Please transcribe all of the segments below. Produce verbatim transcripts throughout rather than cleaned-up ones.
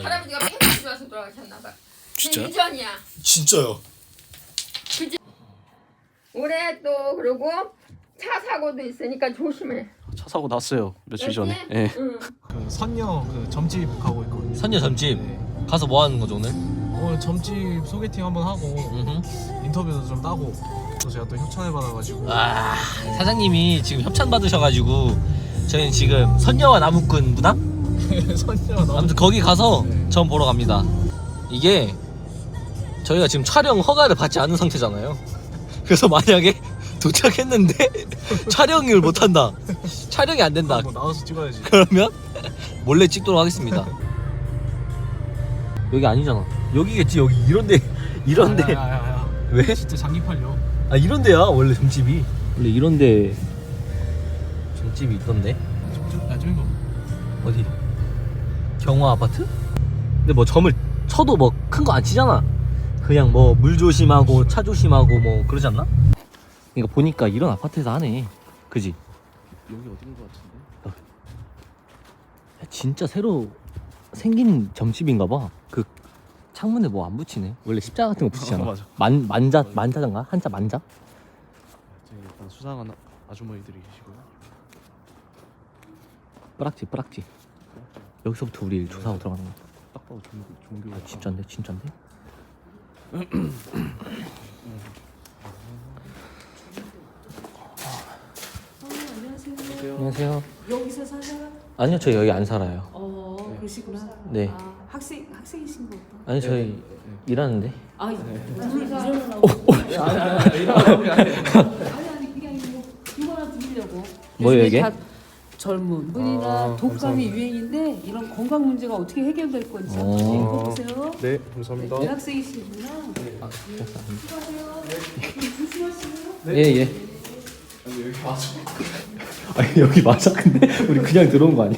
예. 할아버지가 폐가 좋아서 돌아가셨나봐. 진짜요? 유전이야. 진짜요? 그지? 올해 또 그러고 차 사고도 있으니까 조심해. 차 사고 났어요 며칠 알지? 전에. 예. 응. 그 선녀 그 점집 가고 있거든요. 선녀 점집 네. 가서 뭐 하는 거죠 오늘? 오늘 점집 소개팅 한번 하고 음흠. 인터뷰도 좀 따고 또 제가 또 협찬을 받아가지고 아 사장님이 지금 협찬 받으셔가지고 저희는 지금 선녀와 나무꾼 무당? 선녀 너무 아무튼 거기 가서 네. 점 보러 갑니다. 이게 저희가 지금 촬영 허가를 받지 않은 상태잖아요. 그래서 만약에 도착했는데 촬영을 못한다, 촬영이 안 된다, 뭐 나와서 찍어야지. 그러면 몰래 찍도록 하겠습니다. 여기 아니잖아. 여기겠지. 여기 이런데 이런데 야야야야. 왜? 진짜 장기 팔려. 아 이런데야 원래 점집이. 원래 이런데 점집이 있던데. 야 저기 봐. 어디? 경화 아파트? 근데 뭐 점을 쳐도 뭐 큰 거 안 치잖아. 그냥 뭐 물 조심하고 차 조심하고 뭐 그러지 않나? 그러니까 보니까 이런 아파트에서 하네. 그지? 여기 어딘 것 같은데? 야, 진짜 새로 생긴 점집인가 봐. 그 창문에 뭐 안 붙이네. 원래 십자가 같은 거 붙이잖아. 어, 맞아. 만 만자 만자인가? 한자 만자? 저기 일단 수상한 아- 아주머니들이 계시고요. 뿌락지 뿌락지. 여기서부터 우리 조사하고 들어가는 거야. 딱 봐도 종교 종교. 아 진짠데 진짠데? 안녕하세요. 안녕하세요. 여기서 살아요? 아니요 저 여기 안 살아요. 어, 그러시구나. 네. 아, 학생 학생이신 거 보다. 아니 저희 일하는데. 아, 오늘 일어나라고. 아니 아니 그게 아니고 이거 하나 드리려고. 뭐예요, 요즘에 이게? 다 젊은 분이나 아, 독감이 감사합니다. 유행인데 이런 건강 문제가 어떻게 해결될 건지 어. 이거 보세요. 네 감사합니다. 대학생이시구나. 아, 수고하세요. 조심하시고요. 예 예. 아니 여기 맞아. 근데 우리 그냥 들어온 거 아니야?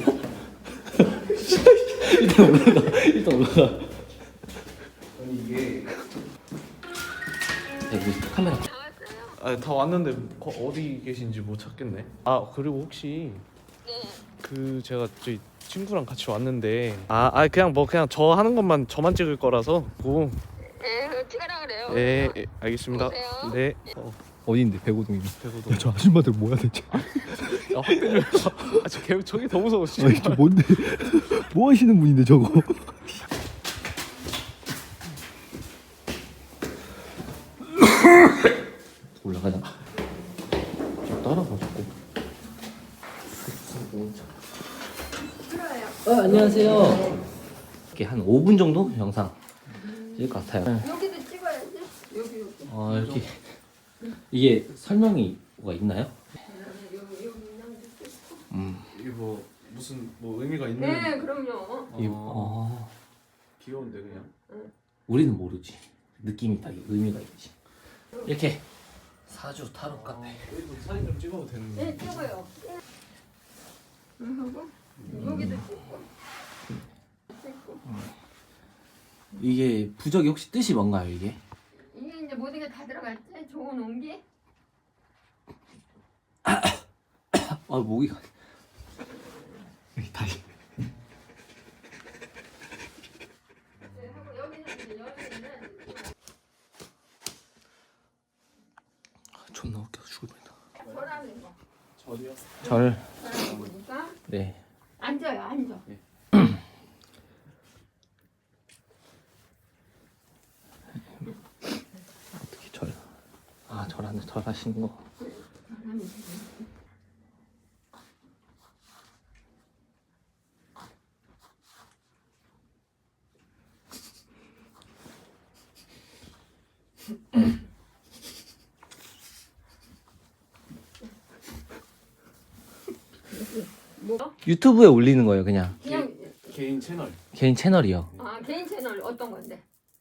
일단 올라가. 일단 올라가. 아니 이게 여기 카메라. 아, 다 왔는데 거, 어디 계신지 못 찾겠네. 아 그리고 혹시 그 제가 저희 친구랑 같이 왔는데 아, 아 그냥 뭐 그냥 저 하는 것만 저만 찍을 거라서 뭐 예, 찍으라 그래요. 예, 예 알겠습니다. 오세요. 네. 어, 어디인데 배고동이? 배고도. 야 저 아줌마들 뭐야 대체? 아, 확대를. 아, 저 개, 저기 더 무서워. 진짜. 아니 저 뭔데? 뭐 하시는 분인데 저거? 올라가자. 좀 따라가 자꾸. 어 안녕하세요. 이렇게 한 오 분 정도 영상 찍을 것 같아요. 여기도 찍어야지. 여기 여기. 아 여기 이게 설명이 뭐가 있나요? 여기 여기 그냥 찍고. 음. 이게 뭐 무슨 뭐 의미가 있는? 네, 그럼요. 이, 어, 어, 귀여운데 그냥. 우리는 모르지. 느낌이 딱 의미가 있지. 이렇게 사주 타로 카페. 여기도 사진 좀 찍어도 되는 네, 찍어요. 응, 하고 여기도 찍고. 찍고. 이게 부적이 혹시 뜻이 뭔가요 이게? 이게 이제 모든 게 다 들어갔지? 좋은 온기? 아 목이가 여기 다시. 네, 하고 여기는 이제 여기는 존나 웃겨 죽을 뻔했다. 절하는 거. 절이요? 절. 절하는 거니까 네. 앉아요, 앉아. 어떻게 절? 아 절하는 절하시는 거. 절하면 돼. 뭐? 유튜브에 올리는 거예요 그냥. 그냥 개인 채널. 개인 채널이요. 아 개인 채널 어떤 건데?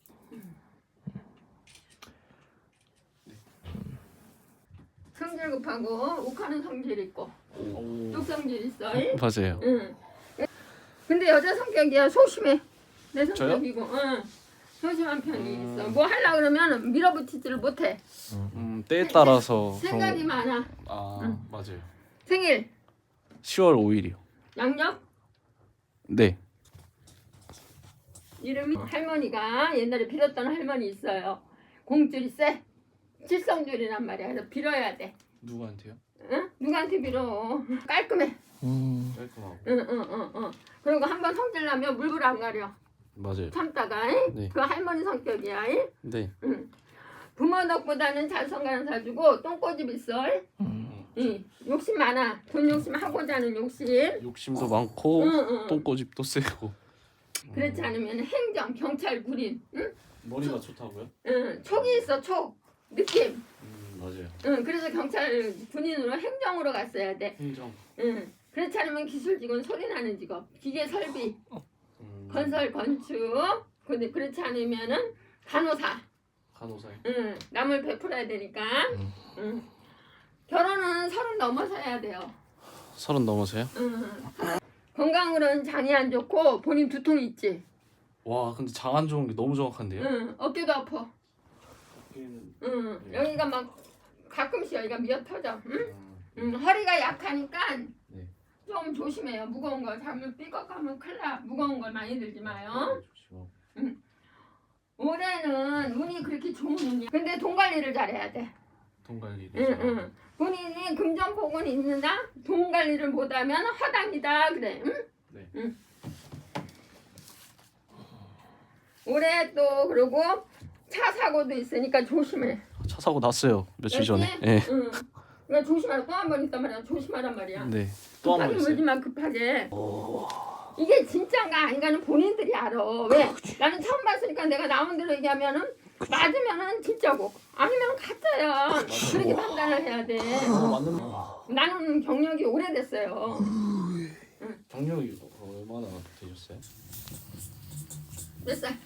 성질 급하고 욱하는 성질 있고 오. 뚝성질 있어. 맞아요. 응. 근데 여자 성격이야 소심해. 내 저요? 성격이고. 응. 소심한 편이 음. 있어. 뭐 하려 그러면 밀어붙이지를 못해. 음 때에 따라서 그런 생각이 거- 많아. 아 응. 맞아요. 생일 시월 오일이요. 양력 네. 이름이 할머니가 옛날에 빌었던 할머니 있어요. 공줄이 세. 칠성줄이란 말이야. 그래서 빌어야 돼. 누구한테요? 응? 누구한테 빌어? 깔끔해. 음. 깔끔하고. 응, 응, 응, 응. 그리고 한번 성질 나면 물불 안 가려. 맞아요. 참다가. 잉? 네. 그 할머니 성격이야. 잉? 네. 응. 부모 덕보다는 잘성가는 사주고 똥꼬집 있어. 음. 응. 욕심 많아. 돈 욕심 하고자 하는 욕심. 욕심도 많고 응, 응. 똥꼬집도 세고. 그렇지 않으면 행정, 경찰, 군인. 응? 머리가 좋다고요? 응. 촉이 있어. 촉. 느낌. 음, 맞아요. 응. 그래서 경찰, 군인으로 행정으로 갔어야 돼. 행정. 응. 그렇지 않으면 기술 직원, 소리 나는 직업, 기계 설비, 음, 건설, 건축. 근데 그렇지 않으면은 간호사. 간호사요. 응. 남을 베풀어야 되니까. 응. 결혼은 서른 넘어서 해야 돼요. 서른 넘어서요? 응. 건강으로는 장이 안 좋고 본인 두통 있지. 와 근데 장 안 좋은 게 너무 정확한데요? 응. 어깨도 아파. 응. 여기가 막 가끔씩 여기가 미어 터져. 응? 응. 허리가 약하니까 네. 좀 조심해요. 무거운 거 잘못 삐걱하면 큰일 나. 무거운 걸 많이 들지 마요. 올해는 운이 그렇게 좋은 운이야. 근데 돈 관리를 잘해야 돼. 돈 관리. 응, 응. 본인이 금전복은 있느냐 돈 관리를 못하면 허당이다 그래. 응? 네. 응. 올해 또 그러고 차 사고도 있으니까 조심해. 차 사고 났어요 며칠 알지? 전에. 예. 응. 그러니까 조심하라. 또 한 번 있단 말이야. 조심하란 말이야. 네. 또 한 번 급하게 있어요. 물지만 급하게. 이게 진짜인가 아닌가는 본인들이 알아. 왜? 나는 처음 봤으니까 내가 나온 대로 얘기하면은 맞으면은 진짜고 아니면 가짜야. 그렇게 판단을 해야 돼. 맞는 나는 경력이 오래됐어요. 경력이 얼마나 되셨어요? 몇 살?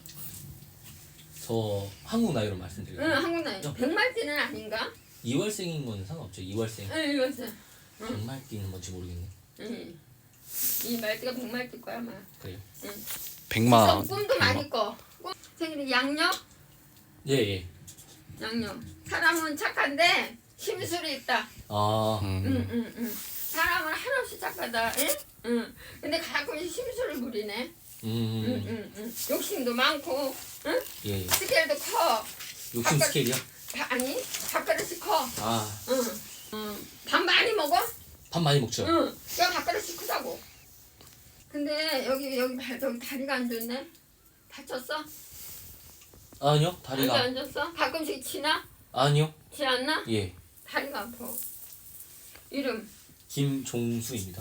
저 한국 나이로 응, 말씀드려요. 한국 나이. 백말띠는 아닌가? 이월생인 건 상관없죠. 이월생. 응, 이거지. 백말띠는 뭔지 모르겠네. 응. 이 말띠가 백말띠 거야, 아마. 그래요? 백만. 좀 꿈도 많이 꿔. 꿈 생일이 양력? 예 예. 양력. 사람은 착한데 심술이 있다. 아. 음. 응, 응, 응. 사람은 한없이 착하다. 응? 응. 근데 가끔씩 심술을 부리네. 음. 응, 응, 응. 욕심도 많고, 응? 예. 예. 스케일도 커. 욕심 아까- 스케일이요? 바, 아니, 밥그릇이 커. 아. 응. 응. 밥 많이 먹어? 밥 많이 먹죠. 응. 야, 밥그릇이 크다고. 근데 여기 여기 발 여기 다리가 안 좋네. 다쳤어? 아니요. 다리가 다리가 안 좋았어? 가끔씩 치나? 아니요. 치 않나? 예. 다리가 아파. 이름 김종수입니다.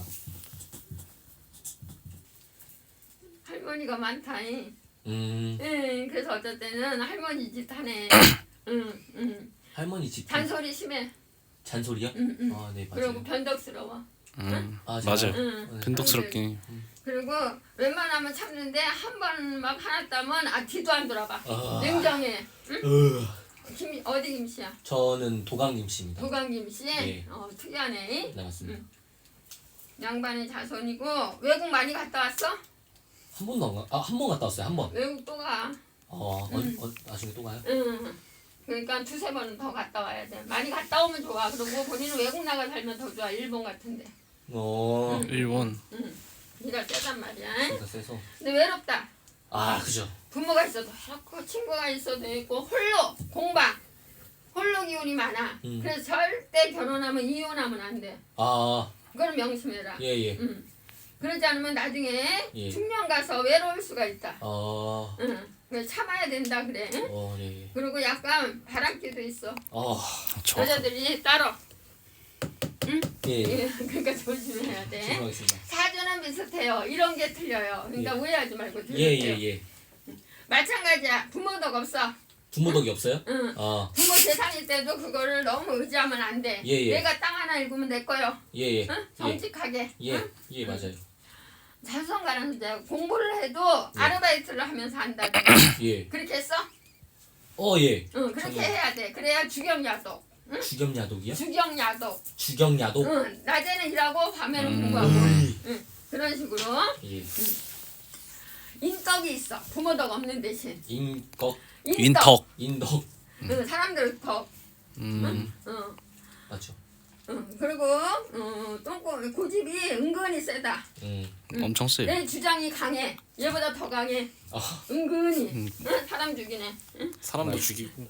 할머니가 많다잉. 음. 응. 그래서 어쩔 때는 할머니 짓 하네. 응, 응. 할머니 집 잔소리 심해. 잔소리요? 응, 응. 아, 네, 맞아요. 그리고 변덕스러워. 음. 아, 맞아요. 제가- 응. 네. 변덕스럽긴. 그리고 웬만하면 참는데 한 번 막 하나 따면 아 뒤도 안 돌아봐. 아. 냉정해. 으. 김 어디 김씨야? 저는 도강님 씨입니다. 도강 김씨. 네. 어 특이하네. 네, 맞습니다. 양반이 자손이고 외국 많이 갔다 왔어? 한 번도 안 가. 아, 한 번 갔다 왔어요. 한 번. 외국 또 가. 어, 어, 어 나중에 또 가요? 응. 그러니까 두세 번은 더 갔다 와야 돼. 많이 갔다 오면 좋아. 그리고 본인은 외국 나가 살면 더 좋아. 일본 같은데. 어. 일본. 응. 네가 세단 말이야. 진짜 세서. 근데 외롭다. 아, 그죠. 부모가 있어도 그렇고 친구가 있어도 있고 홀로 공방. 홀로 기운이 많아. 음. 그래서 절대 결혼하면 이혼하면 안 돼. 아, 그걸 명심해라. 예, 예. 응. 그러지 않으면 나중에 예. 중년 가서 외로울 수가 있다. 어. 응. 그래서 참아야 된다 그래. 응? 어, 예, 예. 그리고 약간 바람기도 있어. 어. 저. 여자들이 따로. 예, 예. 예, 그러니까 조심해야 돼. 죄송하겠습니다. 사주는 비슷해요. 이런 게 틀려요. 그러니까 예. 오해하지 말고 들으세요. 예, 예, 예. 마찬가지야. 부모덕 없어. 부모덕이 없어요? 응. 아, 부모 재산일 때도 그거를 너무 의지하면 안 돼. 예, 예. 내가 땅 하나 읽으면 내 거요. 예, 예. 응? 정직하게. 예, 응? 예, 맞아요. 자수성가는 이제 공부를 해도 예. 아르바이트를 하면서 한다. 예. 그렇게 했어? 어, 예. 응, 그렇게 정말. 해야 돼. 그래야 주경야독. 주경야독이요? 주경야독. 주경야독? 응, 낮에는 일하고 밤에는 음. 공부하고. 으이. 응, 그런 식으로 예. 인덕이 있어. 부모덕 없는 대신. 인덕, 윈턱. 인덕. 응, 사람들 덕. 음. 응. 맞죠? 응, 그리고 어, 똥꼬 고집이 은근히 세다. 음. 엄청 세. 내 주장이 강해. 얘보다 더 강해. 아. 은근히. 음. 응? 사람 죽이네. 응? 사람도 죽이고.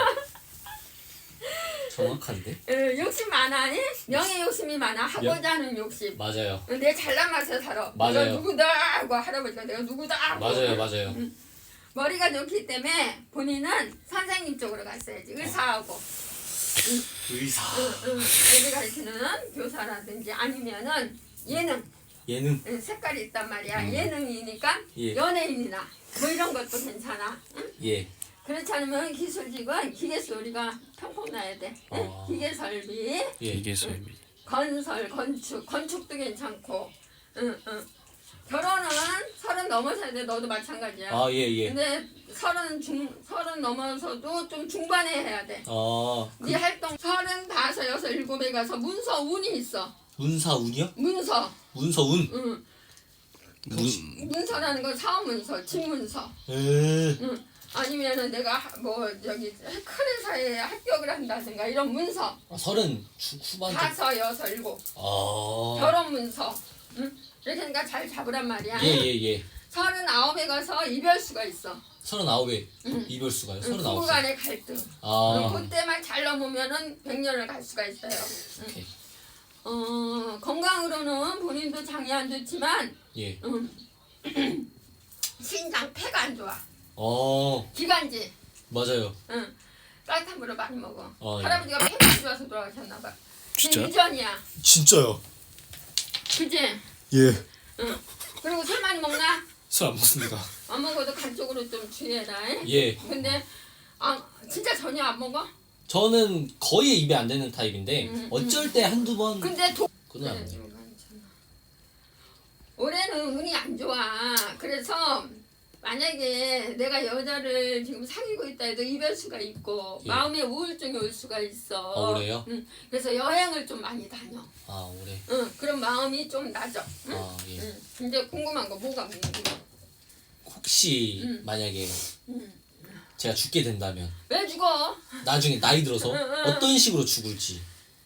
정확한데? 어, 욕심 많아니? 명예 욕심이 많아. 하고자 하는 욕심. 맞아요. 어, 내 잘난 맛에 살아. 맞아요. 내가 누구다 하고 할아버지가 내가 누구다 하고. 맞아요, 맞아요. 응. 머리가 좋기 때문에 본인은 선생님 쪽으로 갔어야지. 의사하고. 의사. 응, 응. 애들 가르치는 교사라든지 아니면은 예능. 예능. 응, 색깔이 있단 말이야. 음. 예능이니까 예. 연예인이나 뭐 이런 것도 괜찮아. 응? 예. 그렇지 않으면 기술직은 기계수 우리가 평평 나야 돼. 응? 어. 기계 설비, 예. 이게 쌤이. 건설, 건축, 건축도 괜찮고. 응, 응. 결혼은 서른 넘어서야 돼. 너도 마찬가지야. 아, 예, 예. 근데 서른 중 서른 넘어서도 좀 중반에 해야 돼. 어. 네 활동 서른 다섯 여섯 일곱에 가서 문서 운이 있어. 문사운이요? 문서. 문서운. 응. 문 문서라는 건 사업 문서, 집 문서. 에. 응. 아니면은 내가 하- 뭐 저기 큰 회사에 합격을 한다든가 이런 문서. 아, 서른 후- 후반. 쪽. 다섯 여섯 일곱. 아. 결혼 문서. 응? 이렇게 하니까 잘 잡으란 말이야. 예, 예, 예. 서른 아홉에 가서 이별수가 있어. 서른아홉에 응. 이별수가요. 응, 서른아홉. 부부 간의 갈등. 아. 응, 그때만 잘 넘으면은 백 년을 갈 수가 있어요. 응. 오케이. 어, 건강으로는 본인도 장이 안 좋지만 예. 음, 신장 폐가 안 좋아. 어. 기관지. 맞아요. 응. 따뜻한 물을 많이 먹어. 어, 예. 할아버지가 폐가 안 좋아서 돌아가셨나 봐. 진짜? 그 이전이야. 진짜요? 그지? 예. 응. 그리고 술 많이 먹나? 술 안 먹습니다. 안 먹어도 간 쪽으로 좀 주의해라. 잉? 예. 근데 아 진짜 전혀 안 먹어? 저는 거의 입에 안 되는 타입인데 음, 어쩔 때 한두 번 근데 도... 그건 안 돼요. 올해는 운이 안 좋아. 그래서 만약에 내가 여자를 지금 사귀고 있다 해도 이별수가 있고 예. 마음에 우울증이 올 수가 있어. 아, 올해요? 응. 그래서 여행을 좀 많이 다녀. 아, 올해. 응. 그럼 마음이 좀 나죠. 응? 아, 예. 응. 이제 궁금한 거 뭐가 궁금해? 혹시 음. 만약에 응. 제가 죽게 된다면 왜 죽어? 나중에 나이 들어서 응, 응. 어떤 식으로 죽을지.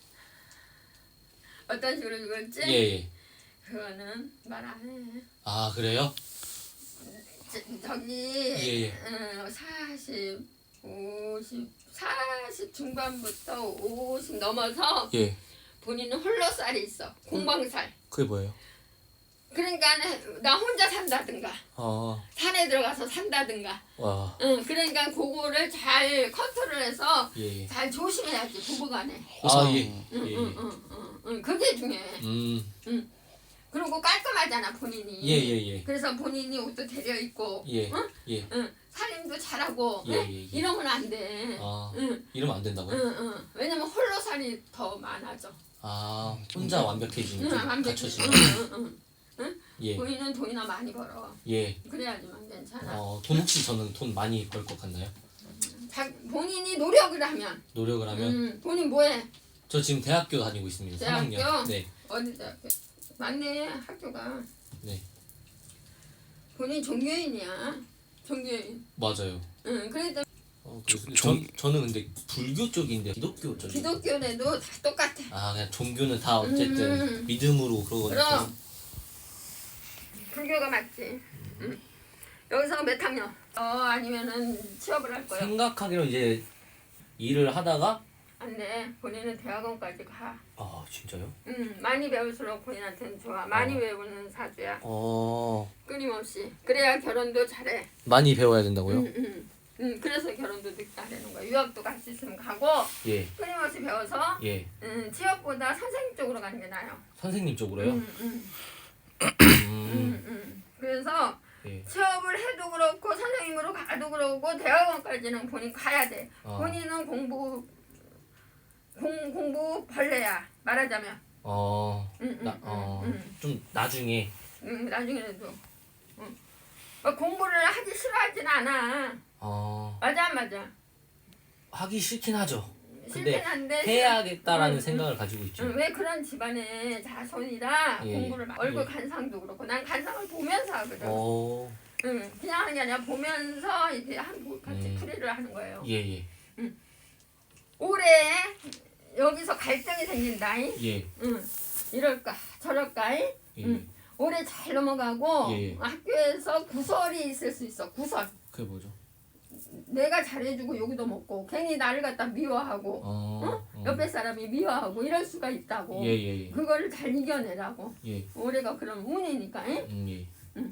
어떤 식으로 죽을지? 예, 예. 그거는 말 안 해. 아, 그래요? 저, 저기 예, 예. 음, 사십, 오십, 사십 중반부터 오십 넘어서 예. 본인은 홀로살이 있어. 공방살. 그게 뭐예요? 그러니까 나 혼자 산다든가 아, 산에 들어가서 산다든가. 와. 응, 그러니까 그거를 잘 컨트롤해서 예, 예. 잘 조심해야지 부부간에. 아, 예. 응, 예, 응, 예. 응, 응, 응, 그게 중요해. 음. 그리고 깔끔하잖아 본인이. 예, 예, 예. 그래서 본인이 옷도 데려 입고, 예. 응? 예. 응, 살림도 잘하고, 예, 응? 예, 예. 이러면 안 돼. 아, 응, 이러면 안 된다고요? 응, 응. 왜냐면 홀로 살이 더 많아져. 아, 혼자 응, 완벽해지니까 완벽히. 갖춰지면. 응, 응, 응. 예. 본인은 돈이나 많이 벌어. 예. 그래야지만 괜찮아. 어, 돈 혹시 저는 돈 많이 벌 것 같나요? 자, 본인이 노력을 하면. 노력을 하면 응, 본인 뭐해? 저 지금 대학교 다니고 있습니다. 삼 대학교? 학년. 네. 어디 대학교? 맞네, 학교가. 네. 본인 종교인이야. 종교인. 맞아요. 응, 그러니까 어, 조- 저, 종- 저는 근데 불교 쪽인데 기독교 쪽. 기독교에도 다 똑같아. 아, 그냥 종교는 다 어쨌든 음. 믿음으로 그러거니까. 그럼 불교가 맞지. 응. 여기서 몇 학년? 어 아니면은 취업을 할 거야. 생각하기로 이제 일을 하다가 안 돼. 본인은 대학원까지 가. 아, 진짜요? 응. 많이 배울수록 본인한테는 좋아. 많이 어. 배우는 사주야. 어. 끊임없이. 그래야 결혼도 잘해. 많이 배워야 된다고요? 응, 응. 응. 그래서 결혼도 늦게 하려는 거야. 유학도 갈 수 있으면 가고 예. 끊임없이 배워서 예. 응, 취업보다 선생님 쪽으로 가는 게 나아요. 선생님 쪽으로요? 응, 응. 음. 응, 응. 그래서 예. 취업을 해도 그렇고 선생님으로 가도 그렇고 대학원까지는 본인 가야 돼. 어. 본인은 공부 공 공부 벌레야 말하자면. 어. 응, 응, 나, 응, 어. 응, 좀 나중에 응, 나중에라도. 응. 막 공부를 하기 싫어하진 않아. 어. 맞아 안 맞아. 하기 싫긴 하죠. 싫긴 근데 한데 해야겠다라는 응, 생각을 가지고 있죠. 응, 왜 그런 집안의 자손이라 예, 공부를 막- 얼굴 예. 간상도 그렇고 난 간상을 보면서 하거든. 어. 응, 그냥 하는 게 아니라 보면서 이렇게 한 같이 음. 풀이를 하는 거예요. 예, 예. 올해 여기서 갈등이 생긴다. 잉? 예. 응. 이럴까 저럴까. 잉? 예. 응. 올해 잘 넘어가고 예, 예. 학교에서 구설이 있을 수 있어. 구설. 그게 뭐죠? 내가 잘해주고 여기도 먹고 괜히 나를 갖다 미워하고 어. 응? 어. 옆에 사람이 미워하고 이럴 수가 있다고. 예, 예, 예. 그거를 잘 이겨내라고. 예. 올해가 그런 운이니까. 잉? 음, 예.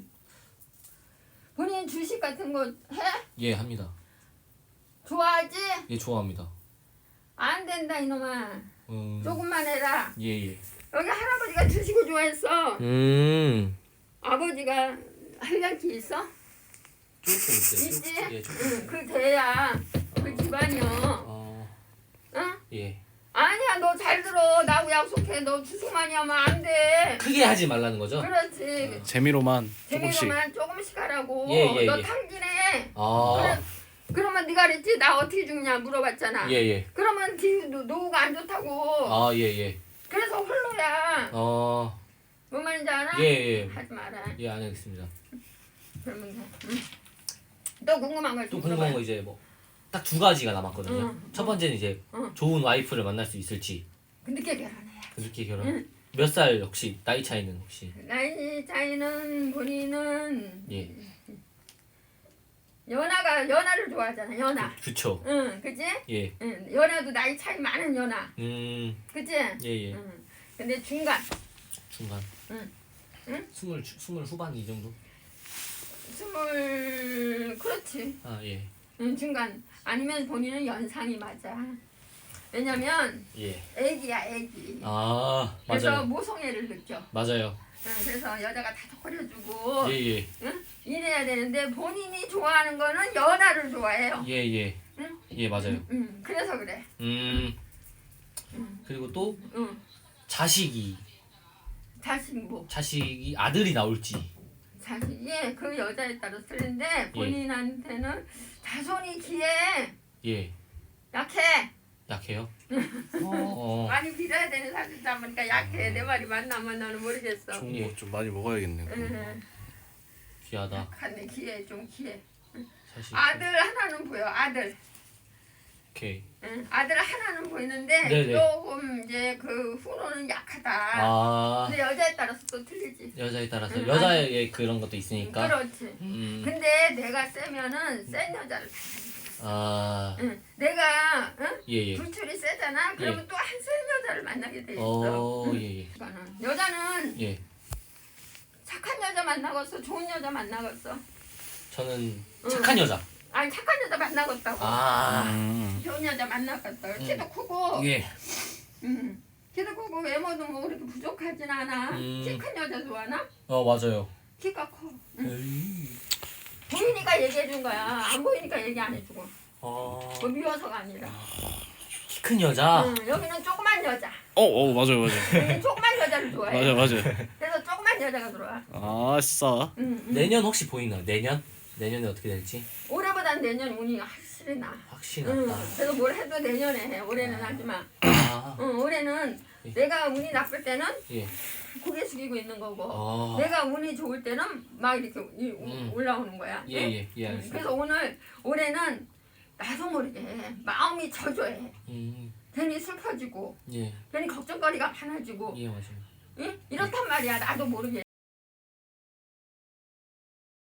본인 주식 같은 거 해? 예, 합니다. 좋아하지? 예, 좋아합니다. 안 된다 이놈아. 음. 조금만 해라. 예, 예. 여기 할아버지가 주식을 좋아했어. 음. 아버지가 할량기 있어? 조금 있어요. 있지? 조금. 예, 조금. 응, 그 돼야 그 집안이요. 어. 응? 예. 아니야, 너 잘 들어. 나하고 약속해. 너 주식 많이 하면 안 돼. 크게 하지 말라는 거죠? 그렇지. 재미로만 조금씩. 재미로만 조금씩 하라고. 예, 예, 너 예. 탕진해. 아. 그래, 그러면 네가 그랬지? 나 어떻게 죽냐 물어봤잖아. 예, 예. 그러면 뒤 노- 노후가 안 좋다고. 아, 예, 예. 그래서 홀로야. 어. 뭔 말인지 알아? 예, 예. 하지 마라. 예, 안 하겠습니다. 그러면 돼. 응. 또 궁금한 거 또 있으면 궁금한 거 물어봐요. 이제 뭐 딱 두 가지가 남았거든요. 응, 첫 번째는 이제 응. 좋은 와이프를 만날 수 있을지. 늦게 결혼해야. 그렇게 결혼. 응. 몇 살 혹시 나이 차이는 혹시? 나이 차이는 본인은 예. 연하가 연하를 좋아하잖아. 연하. 그쵸. 응, 그지? 예. 응, 연하도 나이 차이 많은 연하. 음. 그지? 예, 예. 응. 근데 중간 중간. 응. 응? 스물 주- 스물 후반 이 정도? 스물 그렇지. 아, 예. 응, 중간 아니면 본인은 연상이 맞아. 왜냐면 예. 애기야 애기. 아, 그래서 맞아요. 모성애를 느껴. 맞아요. 응, 그래서 여자가 다 덕거려주고 예, 예. 응? 이래야 되는데 본인이 좋아하는 거는 연하를 좋아해요. 예, 예. 응? 예, 맞아요. 응, 그래서 그래. 음. 응. 그리고 또 응. 자식이 자식 뭐 자식이 아들이 나올지. 자식이 그 여자에 따라 틀린데 본인한테는 자손이 기해 예. 약해. 약해요? 어. 많이 빌어야 되는 사람이다 보니까 약해. 내 말이 맞나 안 맞나는 모르겠어. 좋은 거 좀 많이 먹어야겠네요. 응. 귀하다. 약한데 기해 좀 기해. 자식. 아들 하나는 보여. 아들. 오케이. 응. 아들 하나는 보이는데 네네. 조금 이제 그 후로는 약하다. 아. 근데 여자에 따라서 또 틀리지. 여자에 따라서 응, 여자의 그런 것도 있으니까. 그렇지. 음. 근데 내가 세면은 센 여자를 아. 응. 내가 응? 예, 예. 불출이 세잖아. 그러면 예. 또 한 센 여자를 만나게 돼 있어. 어, 예, 예. 그러니까는 여자는 예. 착한 여자 만나겠어, 좋은 여자 만나겠어. 저는 응. 착한 여자. 아니 착한 여자 만나겠다고. 아. 음. 좋은 여자 만나겠다. 음. 키도 크고, 예. 응. 키도 크고 외모도 뭐 그렇게 부족하진 않아. 음. 키 큰 여자 좋아하나? 어, 맞아요. 키가 커. 응. 에이. 보이니까 얘기해 준 거야. 안 보이니까 얘기 안 해주고. 어. 뭐 미워서가 아니라. 키 큰 여자. 응. 여기는 조그만 여자. 어, 어 맞아요, 맞아요. 여기 조그만 여자를 좋아해. 맞아요, 맞아요. 그래서 조그만 여자가 들어와. 아싸. 응, 응. 내년 혹시 보이나요? 내년? 내년에 어떻게 될지? 올해보단 내년 운이 확실히 나. 확실히 응. 났다. 그래서 뭘 해도 내년에 해. 올해는 하지 마. 아. 응, 올해는 예. 내가 운이 나쁠 때는 예. 고개 숙이고 있는 거고 어. 내가 운이 좋을 때는 막 이렇게 이- 우- 음. 올라오는 거야. 예, 응? 예, 예, 응, 알겠습니다. 그래서 오늘 올해는 나도 모르게 마음이 저조해. 음. 괜히 슬퍼지고 예. 괜히 걱정거리가 많아지고 예, 맞아요. 응? 이렇단 말이야. 나도 모르게.